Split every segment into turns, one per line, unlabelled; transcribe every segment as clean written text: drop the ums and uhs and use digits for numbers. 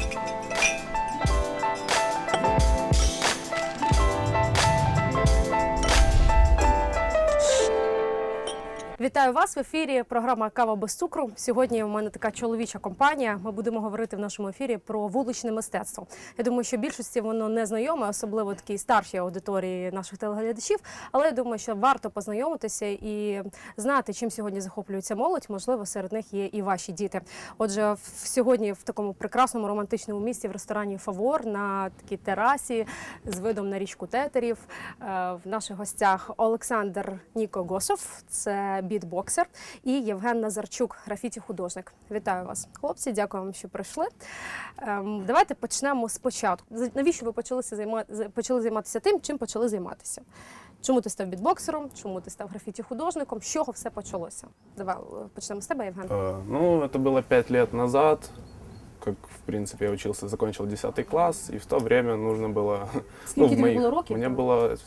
Вітаю вас в ефірі. Програма «Кава без цукру». Сьогодні у мене така чоловіча компанія. Ми будемо говорити в нашому ефірі про вуличне мистецтво. Я думаю, що більшості воно не знайоме, особливо такій старшій аудиторії наших телеглядачів. Але я думаю, що варто познайомитися і знати, чим сьогодні захоплюється молодь. Можливо, серед них є і ваші діти. Отже, сьогодні в такому прекрасному романтичному місці в ресторані «Фавор» на такій терасі з видом на річку Тетерів. В наших гостях Олександр Ніко Госов, це бітбоксер, і Євген Назарчук, графіті-художник. Вітаю вас, хлопці, дякую вам, що прийшли. Давайте почнемо спочатку. Навіщо ви почали займатися тим, чим почали займатися? Чому ти став бітбоксером, чому ти став графіті-художником, з чого все почалося? Давай почнемо з тебе, Євген.
Ну, это было 5 лет назад, как, в принципе, я учился, закончил 10 класс, и в то время нужно было...
Скільки тобі було років?
Мне было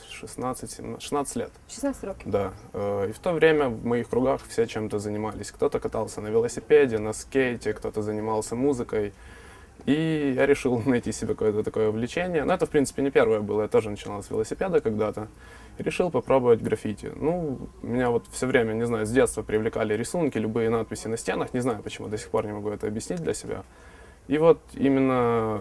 16 лет.
16 років.
Да. И в то время в моих кругах все чем-то занимались. Кто-то катался на велосипеде, на скейте, кто-то занимался музыкой. И я решил найти себе какое-то такое увлечение. Но это, в принципе, не первое было. Я тоже начинал с велосипеда когда-то. И решил попробовать граффити. Ну, меня вот все время, не знаю, с детства привлекали рисунки, любые надписи на стенах. Не знаю, почему, до сих пор не могу это объяснить для себя. И вот именно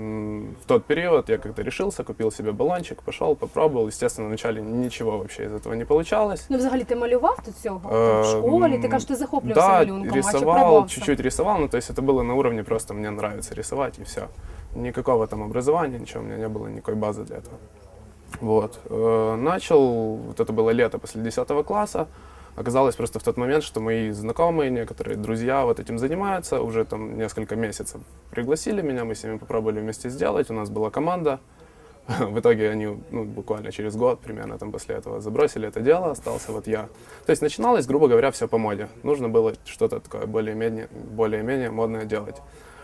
в тот период я как-то решился, купил себе баллончик, пошел, попробовал. Естественно, вначале ничего вообще из этого не получалось.
Ну, взагалі, ти малював до цього в школі? Ти кажеш, ти захоплювався
Да,
малюнком,
рисовал, чуть-чуть рисовал, но то есть это было на уровне просто мне нравится рисовать и все. Никакого там образования, ничего, у меня не было никакой базы для этого. Вот. Начал, вот это было лето после 10 класса. Оказалось просто в тот момент, что мои знакомые, некоторые друзья вот этим занимаются, уже там несколько месяцев пригласили меня, мы с ними попробовали вместе сделать, у нас была команда. В итоге они буквально через год примерно там после этого забросили это дело, остался вот я. То есть начиналось, грубо говоря, все по моде. Нужно было что-то такое более-менее модное делать.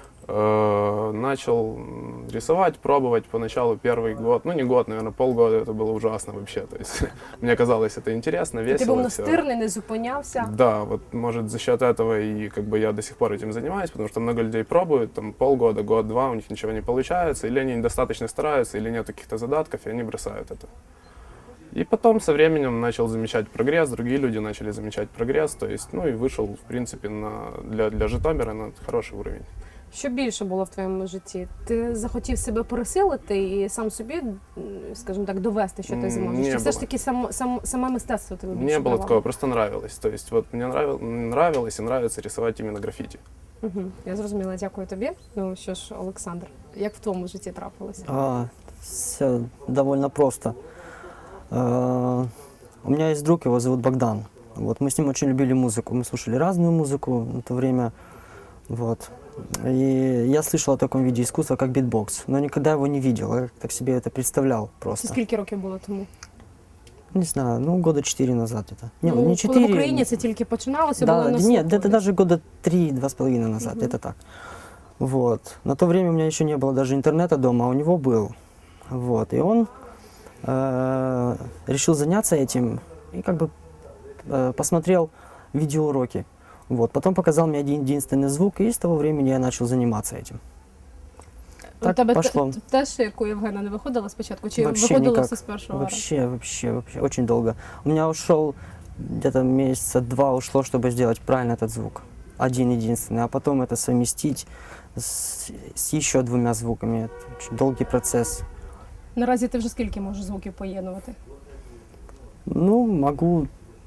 Начал рисовать, пробовать поначалу первый год, ну не год, наверное, полгода, это было ужасно вообще, то есть мне казалось это интересно, весело.
Ты был настырный, не зупинявся?
Да, вот может за счет этого и как бы я до сих пор этим занимаюсь, потому что много людей пробуют, там полгода, год-два, у них ничего не получается, или они недостаточно стараются, или нет каких-то задатков, и они бросают это. И потом со временем начал замечать прогресс, другие люди начали замечать прогресс, то есть, ну и вышел, в принципе, для Житомира на хороший уровень.
Що більше було в твоєму житті? Ти захотів себе пересилити і сам собі, скажімо так, довести, що ти зможеш? Чи все ж таки саме мистецтво тебе більше
Не было
давало?
такого, просто нравилось. То есть вот мне нравилось и нравится рисовать именно граффити.
Я зрозуміла, дякую тобі. Ну що ж, Олександр, як в твоєму житті трапилося?
Все довольно просто. У меня есть друг, его зовут Богдан. Вот, мы с ним очень любили музыку. Мы слушали разную музыку на то время. Вот. И я слышал о таком виде искусства, как битбокс, но никогда его не видел, я так себе это представлял просто.
Скільки років було тому?
Не знаю, ну года 4 назад это.
Не 4. Коли в Україні це тільки починалося,
да,
було на
нет, это даже года 3-2,5 назад, это так. Вот. На то время у меня еще не было даже интернета дома, а у него был. Вот. И он решил заняться этим и как бы посмотрел видеоуроки. Вот. Потом показал мне один единственный звук, и с того времени я начал заниматься этим.
Так тебе пошло. Теж, як у Євгена, не виходило спочатку? Чи виходило все з першого разу?
Вообще, очень долго. У меня ушел где-то месяца 2 ушло, чтобы сделать правильно этот звук. Один единственный. А потом это совместить с еще 2 звуками. Это очень долгий процесс.
Наразі ти вже скільки можеш звуків поєднувати?
Ну, могу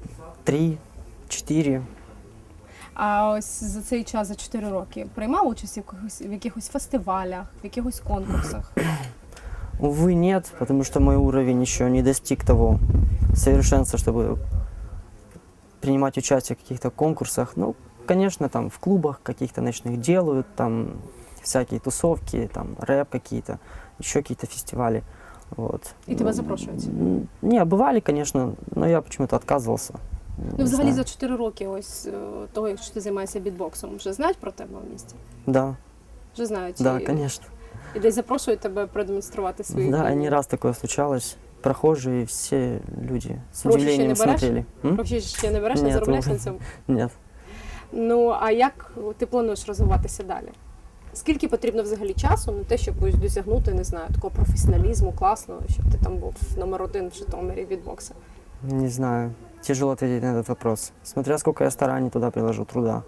3-4.
А ось за цей час, за 4 роки, приймав участь в якихось фестивалях, в якихось конкурсах?
Увы, нет, потому что мой уровень еще не достиг того совершенства, чтобы принимать участие в каких-то конкурсах. Ну, конечно, там в клубах каких-то ночных делают, там всякие тусовки, там рэп какие-то, еще какие-то фестивали. Вот.
И тебя запрошують?
Не, бывали, конечно, но я почему-то отказывался.
Ну, взагалі за 4 роки ось того, якщо ти займаєшся бітбоксом, вже знають про тебе в місті?
Да.
Вже знають?
Да, конечно.
І десь запрошують тебе продемонструвати свої
Да,
вміння?
не раз такое случалось. Прохожие, все люди с удивлением смотрели.
Гроші ще не береш, не заробляєш на цьому?
Нет.
Ну, а як ти плануєш розвиватися далі? Скільки потрібно взагалі часу на те, щоб ось досягнути, не знаю, такого професіоналізму класного, щоб ти там був номер 1 в Житомирі бітбокса?
Не знаю. Тяжело ответить на этот вопрос. Смотря сколько я стараний туда приложу, труда.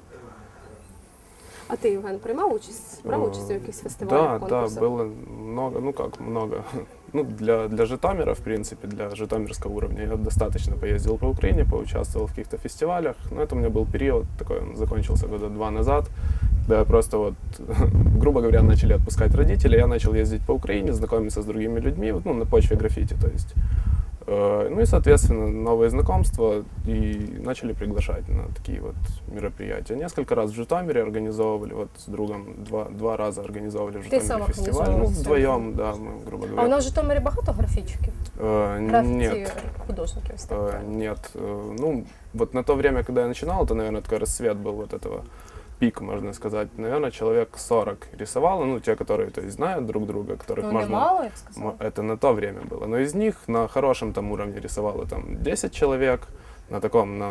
А ти, Євген, приймав участь? Брав участь у якихось фестивалях,
Да,
конкурсах?
было много, ну как много. Ну, для Житомира, в принципе, для житомирского уровня я достаточно поездил по Украине, поучаствовал в каких-то фестивалях. Но это у меня был период такой, он закончился года 2 назад, когда я просто вот, грубо говоря, начали отпускать родители, я начал ездить по Украине, знакомиться с другими людьми, вот, ну, на почве граффити, то есть. Ну и, соответственно, новые знакомства и начали приглашать на такие вот мероприятия. Несколько раз в Житомире организовывали, вот с другом два раза организовывали в
Ты сам
Житомире фестиваль. Ну,
организовывал
вдвоем, да, мы, грубо
А у
говоря.
нас в Житомирі багато графічиків? Графіті
Нет,
художників? ось так правильно.
нет. Ну, вот на то время, когда я начинал, это, наверное, такой расцвет был вот этого пик, можно сказать. Наверное, человек 40 рисовало, ну, те, которые, то есть, знают друг друга, которых
Ну,
можно...
немало, я б сказала.
Это на то время было. Но из них на хорошем там уровне рисовало там 10 человек, на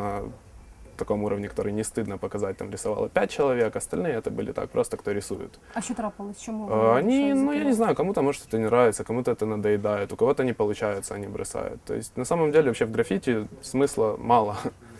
таком уровне, который не стыдно показать, там рисовало 5 человек, остальные это были так, просто кто рисует.
А що трапилось? Чому?
Они, ну я не знаю, кому-то может это не нравится, кому-то это надоедает, у кого-то не получается, они бросают. То есть на самом деле вообще в граффити смысла мало.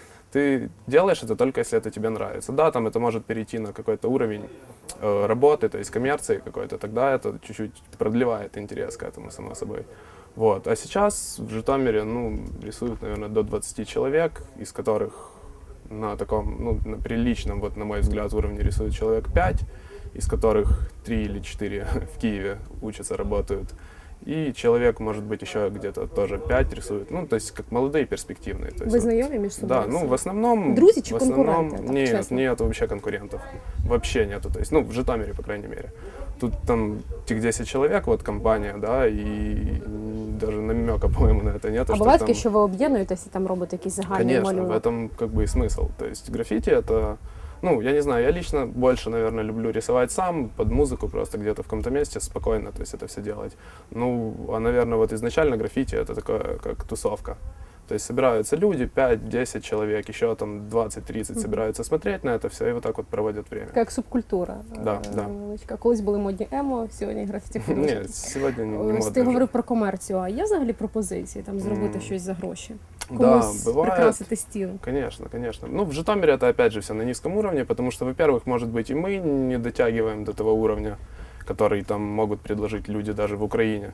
Ты делаешь это только если это тебе нравится. Да, там это может перейти на какой-то уровень работы, то есть коммерции какой-то, тогда это чуть-чуть продлевает интерес к этому, само собой. Вот. А сейчас в Житомире, ну, рисуют, наверное, до 20 человек, из которых на таком, ну, на приличном, вот, на мой взгляд, уровне рисуют человек 5, из которых 3 или 4 в Киеве учатся, работают. И человек, может быть, еще где-то тоже 5 рисует. Ну, то есть, как молодые, перспективные. То есть,
Ви
вот,
знайомі між собою?
да, ну, в основном...
Друзі чи
в основном,
конкуренти, так,
нет,
чесно?
нет вообще конкурентов. Вообще нету. То есть, ну, в Житомире, по крайней мере. Тут там тех 10 человек, вот компания, да, и даже намека, по-моему, на это нет.
А буває таке, що ви об'єднуєтесь і там робите якісь загальні
Конечно, в
малюнок?
этом как бы и смысл. То есть граффити это, ну, я не знаю, я лично больше, наверное, люблю рисовать сам, под музыку, просто где-то в каком-то месте спокойно, то есть это все делать. Ну, а, наверное, вот изначально граффити это такое, как тусовка. То есть собираются люди, 5-10 человек, еще там 20-30 собираются смотреть на это все и вот так вот проводят время.
Така як субкультура.
Да, да.
Невеличка. Колись були модні емо, сьогодні графіті художники.
Нет, сегодня не
Ось
модно
ти
уже.
говорив про комерцію, а є взагалі пропозиції там зробити щось за гроші?
Да,
Комусь
бывает.
прикрасити стіл?
Конечно, конечно. Ну, в Житомире это опять же все на низком уровне, потому что, во-первых, может быть, и мы не дотягиваем до того уровня, который там могут предложить люди даже в Украине.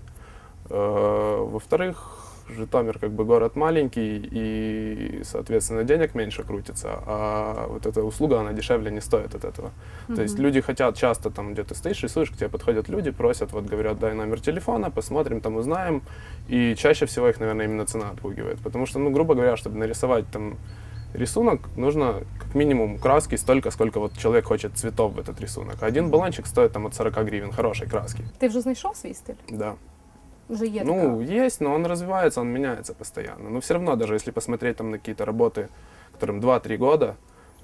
Во-вторых, Житомир как бы город маленький, и, соответственно, денег меньше крутится, а вот эта услуга, она дешевле не стоит от этого. То есть люди хотят часто там, где ты стоишь, рисуешь, к тебе подходят люди, просят, вот говорят, дай номер телефона, посмотрим, там узнаем, и чаще всего их, наверное, именно цена отпугивает, потому что, ну, грубо говоря, чтобы нарисовать там рисунок, нужно как минимум краски столько, сколько вот человек хочет цветов в этот рисунок. А один баллончик стоит там от 40 гривен хорошей краски.
Ти вже знайшов свій стиль?
Да.
Вже є
Ну,
така?
есть, но он развивается, он меняется постоянно. Но все равно, даже если посмотреть там на какие-то работы, которым 2-3 года,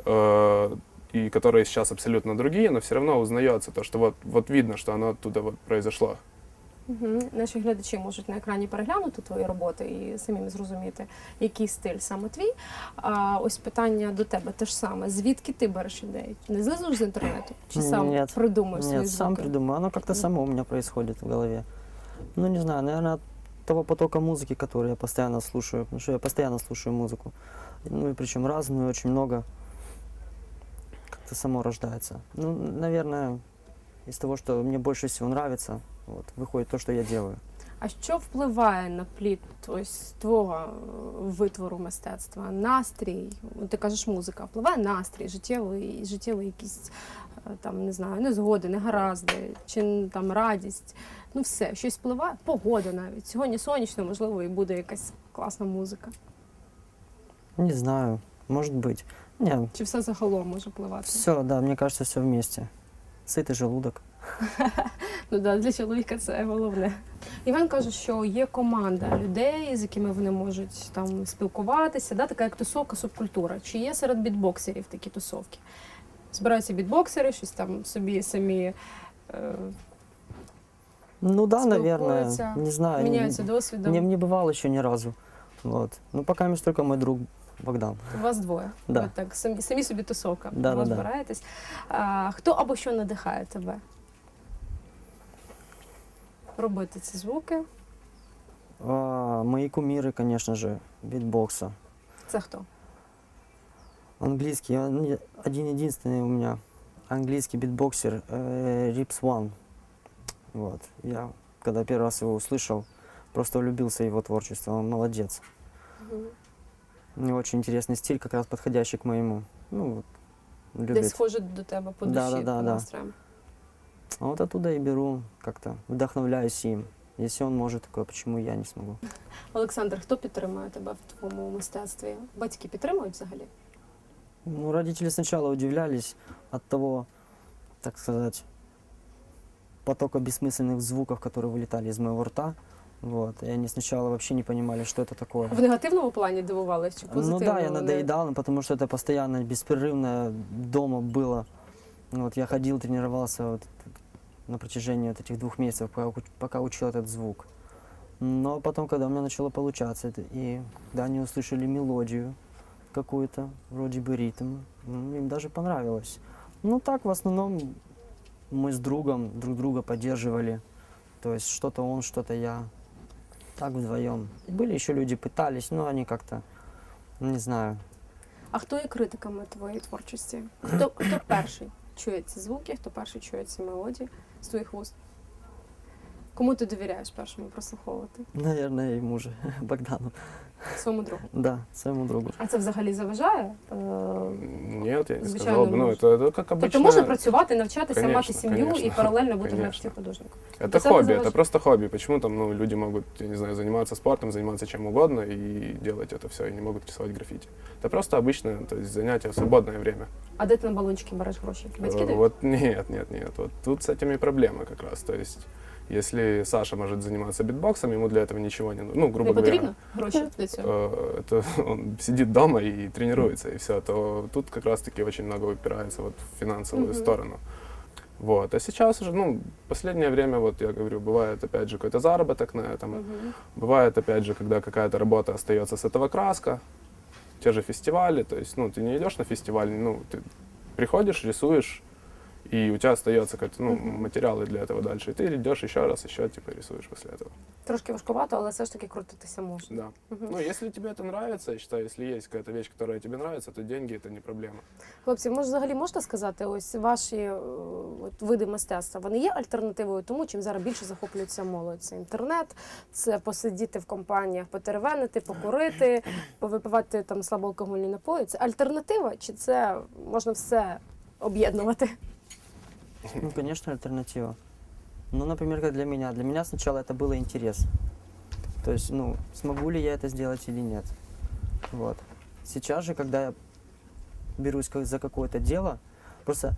и которые сейчас абсолютно другие, но все равно узнается то, что вот видно, что оно оттуда вот произошло.
Угу. Наші глядачі можуть на екрані переглянути твої роботи і самим зрозуміти, який стиль саме твій. А ось питання до тебе те ж саме. Звідки ти береш ідеї? Не знизу з інтернету? Чи сам
Нет.
придумуєш свої
Нет, сам
звуки?
придумаю. Оно как-то само у меня происходит в голове. Ну, не знаю, наверное, от того потока музыки, который я постоянно слушаю. Потому что я постоянно слушаю музыку. Ну, и причем разную, очень много. Как-то само рождается. Ну, наверное, из того, что мне больше всего нравится, вот, выходит то, что я делаю.
А що впливає на плід ось твого витвору мистецтва? Настрій, ти кажеш музика, впливає настрій, життєвий якісь там, не знаю, незгоди, негаразди, чи там радість. Ну все, щось впливає, погода навіть. Сьогодні сонячно, можливо, і буде якась класна музика.
Не знаю, может быть. Не,
Чи все загалом може впливати?
все, да, мне кажется, все вместе. Сытый желудок.
Ну да, для чоловіка це головне. Іван каже, що є команда людей, з якими вони можуть там спілкуватися, да, така як тусовка, субкультура. Чи є серед бітбоксерів такі тусовки? Збираються бітбоксери, щось там собі самі
Ну да, наверное,
спілкуються,
не знаю.
міняються досвідом.
Не бывал еще ни разу. Вот. Ну, пока между только мой друг Богдан.
У вас двоє.
Да.
Ви так, самі собі тусовка.
Да,
ви
да, да.
збираєтесь. Хто або що надихає тебе? робити ці звуки.
Мои кумиры, конечно же, битбокса.
Це хто?
Английский, один-единственный у меня английский битбоксер Rips One. Вот. Я, когда первый раз его услышал, просто влюбился в его творчество. Он молодец. У него очень интересный стиль, как раз подходящий к моему. Ну, вот,
Десь
любит.
схоже до тебе по душі,
Да-да-да,
по
да.
настроям.
А вот оттуда и беру, как-то вдохновляюсь им. Если он может такое, почему я не смогу?
Олександр, хто підтримує тебе в твоєму мистецтві? Батьки підтримують взагалі?
Ну, родители сначала удивлялись от того, так сказать, потока бессмысленных звуков, которые вылетали из моего рта. Вот. И они сначала вообще не понимали, что это такое.
В негативному плані дивувались чи
Ну
позитивному?
да, я надоедал, ну, потому что это постоянно, беспрерывно дома было. Вот, я ходил, тренировался вот на протяжении вот этих 2 месяцев, пока учил этот звук. Но потом, когда у меня начало получаться, и когда они услышали мелодию какую-то, вроде бы ритм, им даже понравилось. Ну так, в основном, мы с другом друг друга поддерживали. То есть что-то он, что-то я. Так вдвоем. Были еще люди, пытались, но они как-то, не знаю.
А хто є критиками твоєї творчості? Хто перший чує ці звуки, хто перший чує ці мелодії з твоїх вуст? Кому ти довіряєш першому прослуховувати?
Наверное, ему же, Богдану.
Своєму другу.
Да, своему другу.
А це взагалі заважає?
Нет, я не
Звичайно,
сказал бы. Ну,
может.
это как обычно.
Тобто можна працювати, навчатися,
Конечно,
мати сім'ю і
конечно,
паралельно бути
конечно.
графіті-художником.
Это
Це не
хобби,
заважає.
это просто хобби. Почему там люди могут, я не знаю, заниматься спортом, заниматься чем угодно и делать это все, и не могут рисовать граффити. Это просто обычное, то есть занятие в свободное время.
А де ти на балончики береш гроші? Батьки дають?
Вот нет. Вот тут с этим и проблема как раз. То есть, если Саша может заниматься битбоксом, ему для этого ничего не нужно. Ну, грубо
Не
говоря,
потрібно гроші для цього?
это он сидит дома и тренируется, и все, то тут как раз-таки очень много упирается вот в финансовую сторону. Вот. А сейчас уже, ну, последнее время, вот я говорю, бывает опять же какой-то заработок на этом, бывает опять же, когда какая-то работа остается с этого краска, те же фестивали, то есть, ну, ты не идешь на фестиваль, ну, ты приходишь, рисуешь, и у тебя остается какой-то, ну, материалы для этого дальше, и ты идешь еще раз, еще, типа, рисуешь после этого.
Трошки важкувато, але все ж таки крутитися можна.
Да. Ну, если тебе это нравится, я считаю, если есть какая-то вещь, которая тебе нравится, то деньги это не проблема.
Хлопці, може, взагалі можна сказати, ось ваші от, види мистецтва, вони є альтернативою тому, чим зараз більше захоплюється молодь? Це інтернет, це посидіти в компаніях, потеревенити, покурити, повипивати там слабоалкогольні напої. Це альтернатива, чи це можна все об'єднувати?
Ну, конечно, альтернатива. Ну, например, как для меня. Для меня сначала это было интерес. То есть, ну, смогу ли я это сделать или нет. Вот. Сейчас же, когда я берусь за какое-то дело, просто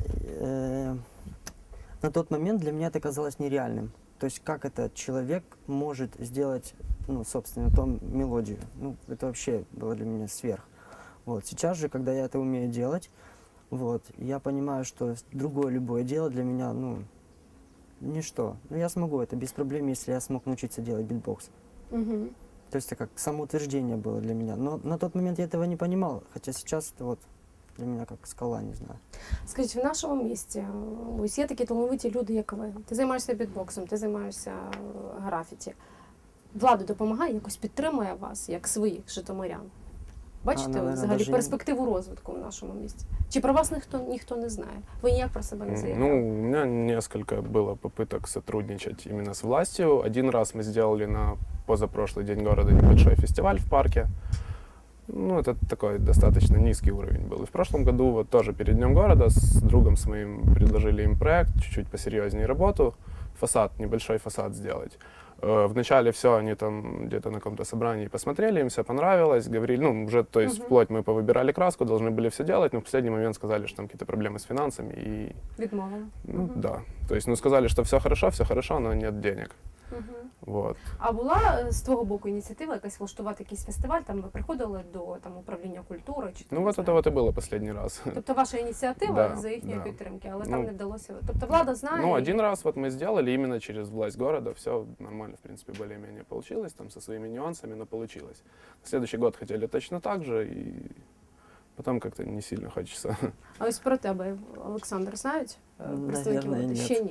на тот момент для меня это казалось нереальным. То есть, как этот человек может сделать, ну, собственно, ту мелодию. Ну, это вообще было для меня сверх. Вот. Сейчас же, когда я это умею делать, вот, я понимаю, что другое любое дело для меня, ну, ничто. Но я смогу это без проблем, если я смог научиться делать битбокс.
Угу.
То есть это как самоутверждение было для меня. Но на тот момент я этого не понимал, хотя сейчас это вот для меня как скала, не знаю.
Скажіть, в нашому місті ось є такі талановиті люди, як ви. Ти займаєшся бітбоксом, ти займаєшся графіті. Влада допомагає, якось підтримує вас, як своїх житомирян. Бачите
наверное,
взагалі
даже
перспективу розвитку в нашому місті? Чи про вас ніхто не знає? Ви ніяк про себе не заявляли?
Ну, у меня несколько было попыток сотрудничать именно с властью. Один раз мы сделали на позапрошлый день города небольшой фестиваль в парке. Ну, это такой достаточно низкий уровень был. И в прошлом году вот тоже перед Днем города с другом с моим предложили им проект, чуть-чуть посерьезнее работу, фасад, небольшой фасад сделать. Вначале все, они там где-то на каком-то собрании посмотрели, им все понравилось, говорили, ну, уже, то есть, вплоть мы повыбирали краску, должны были все делать, но в последний момент сказали, что там какие-то проблемы с финансами, и,
Відмовили.
ну, да. То есть, ну, сказали, что все хорошо, но нет денег. Вот.
А була з твого боку ініціатива якась влаштувати якийсь фестиваль, там ви приходили до там, управління культури? Чи,
Ну,
не
вот
знаю?
это вот и было последний раз.
Тобто ваша ініціатива
Да,
за їхньої
да.
підтримки, але
Ну,
там не вдалося. Тобто влада знає?
Ну,
і-
один раз вот мы сделали именно через власть города, все нормально, в принципе, более-менее получилось, там со своими нюансами, но получилось. На следующий год хотели точно так же, и потом как-то не сильно хочется.
А ось про тебе, Олександр, знають представники
Наверное,
влади?
нет.
Ще ні.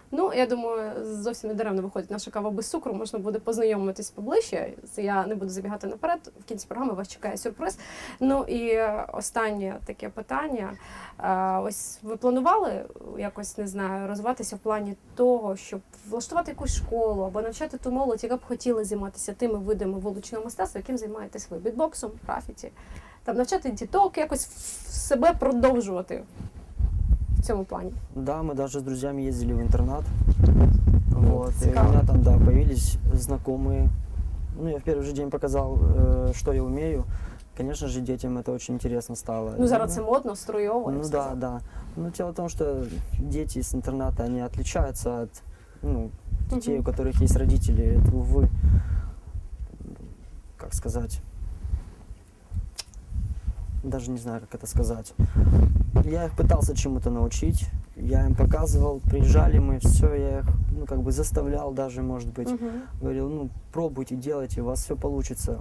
Ну, я думаю, зовсім не даремно виходить наша кава без цукру, можна буде познайомитись поближче. Я не буду забігати наперед, в кінці програми вас чекає сюрприз. Ну і останнє таке питання. Ось ви планували якось, не знаю, розвиватися в плані того, щоб влаштувати якусь школу або навчати ту молодь, яка б хотіла займатися тими видами вуличного мистецтва, яким займаєтесь ви? Бітбоксом, графіті, там навчати діток, якось себе продовжувати в цьому плані.
Да, мы даже с друзьями ездили в интернат. Вот, и у
Цікаво.
меня там, да, появились знакомые. Ну, я в первый же день показал, что я умею. Конечно же, детям это очень интересно стало.
Ну, зараз це модно, струйово. я б
Ну да,
сказала.
да. Но дело в том, что дети с интерната, они отличаются от детей, у которых есть родители. Это, увы, как сказать, даже не знаю, как это сказать. Я их пытался чему-то научить, я им показывал, приезжали мы, все, я их, как бы заставлял даже, может быть.
Мгм.
Говорил, пробуйте, делайте, у вас все получится.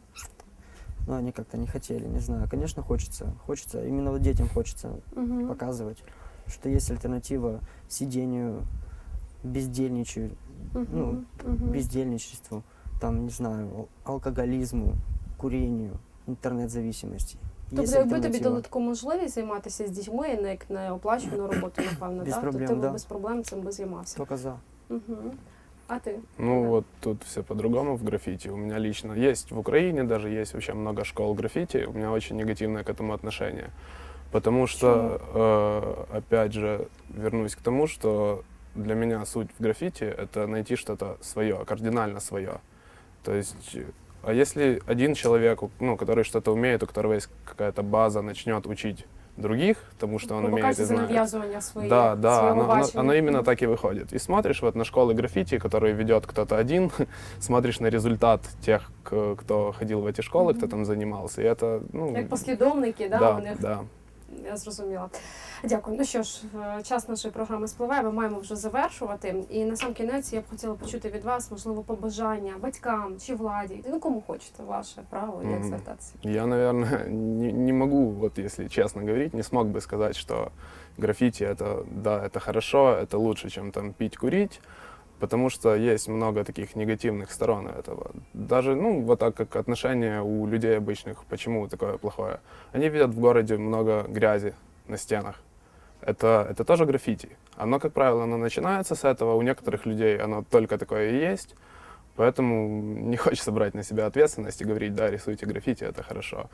Но они как-то не хотели, не знаю. Конечно, хочется, именно вот детям хочется
Мгм.
показывать, что есть альтернатива сидению, бездельничаю,
Мгм. Мгм.
бездельничеству, там, не знаю, алкоголизму, курению, интернет-зависимости.
Тобто,
Есть
якби тобі
альтернатива.
дали таку можливість займатися з дітьми, як неоплачувану роботу, напевно,
Без
так?
проблем,
то ти б
да.
без проблем цим би займався.
Только за.
Мгм. А ти?
Ну
Да.
вот тут все по-другому в граффити. У меня лично есть в Украине даже есть вообще много школ граффити. У меня очень негативное к этому отношение. Потому что, опять же, вернусь к тому, что для меня суть в граффити — это найти что-то свое, кардинально свое. То есть, а если один человек, который что-то умеет, у которого есть какая-то база, начнет учить других, тому что он умеет и
Покажеться
знает.
нав'язування своєї,
Да,
свого
оно
бачення.
именно так и выходит. И смотришь вот на школы граффити, которые ведет кто-то один, смотришь на результат тех, кто ходил в эти школы, кто там занимался, и это,
Як послідовники, да,
да,
у них.
да.
Я зрозуміла. Дякую. Ну що ж, час нашої програми спливає, ми маємо вже завершувати. І на сам кінець я б хотіла почути від вас, можливо, побажання батькам чи владі. Ну, кому хочете, ваше право, як
Мгм.
звертатися.
Я, наверное, не могу, вот если честно говорить, не смог бы сказать, что граффити это хорошо, это лучше, чем там пить, курить, потому что есть много таких негативных сторон этого. Даже, вот так как отношение у людей обычных, почему такое плохое? Они видят в городе много грязи на стенах. Это тоже граффити. Оно, как правило, оно начинается с этого, у некоторых людей оно только такое и есть. Поэтому не хочется брать на себя ответственность и говорить, да, рисуйте граффити, это хорошо.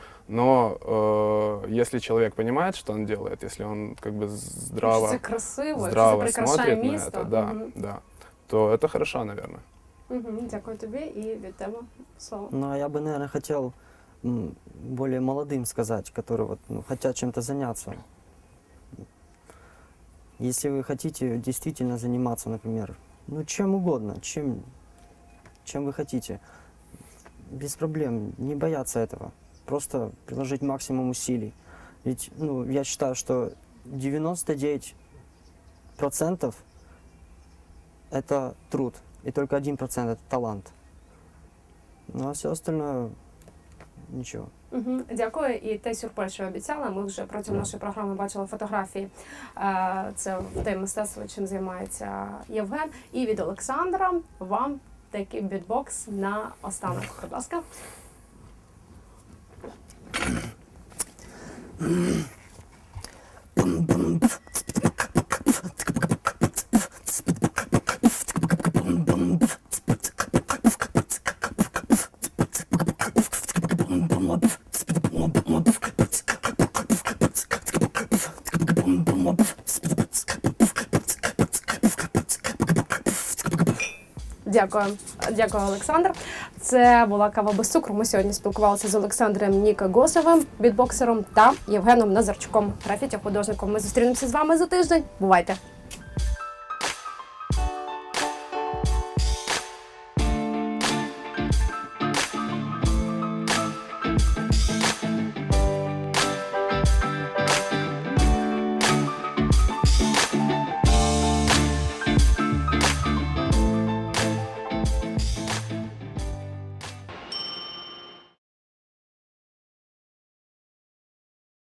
Но если человек понимает, что он делает, если он как бы здраво,
Це красиво, це
здраво
прикрашає
смотрит на
місто.
это, да,
Мгм.
да, то это хорошо, наверное.
Мгм. Дякую тобі і від тебе слово.
Ну, а я бы, наверное, хотел более молодым сказать, которые хотят чем-то заняться. Если вы хотите действительно заниматься, например, чем угодно, чем вы хотите, без проблем, не бояться этого. Просто приложить максимум усилий. Ведь, я считаю, что 99% это труд, и только 1% это талант. Ну а все остальное ничего.
Мгм. Дякую. І той сюрприз, що я обіцяла, ми вже протягом нашої програми бачили фотографії. Це те мистецтво, чим займається Євген. І від Олександра вам такий бітбокс на останок. Будь ласка. Дякую. Дякую, Олександр. Це була кава без цукру. Ми сьогодні спілкувалися з Олександром Нікогосовим, бітбоксером, та Євгеном Назарчуком, графіті-художником. Ми зустрінемося з вами за тиждень. Бувайте!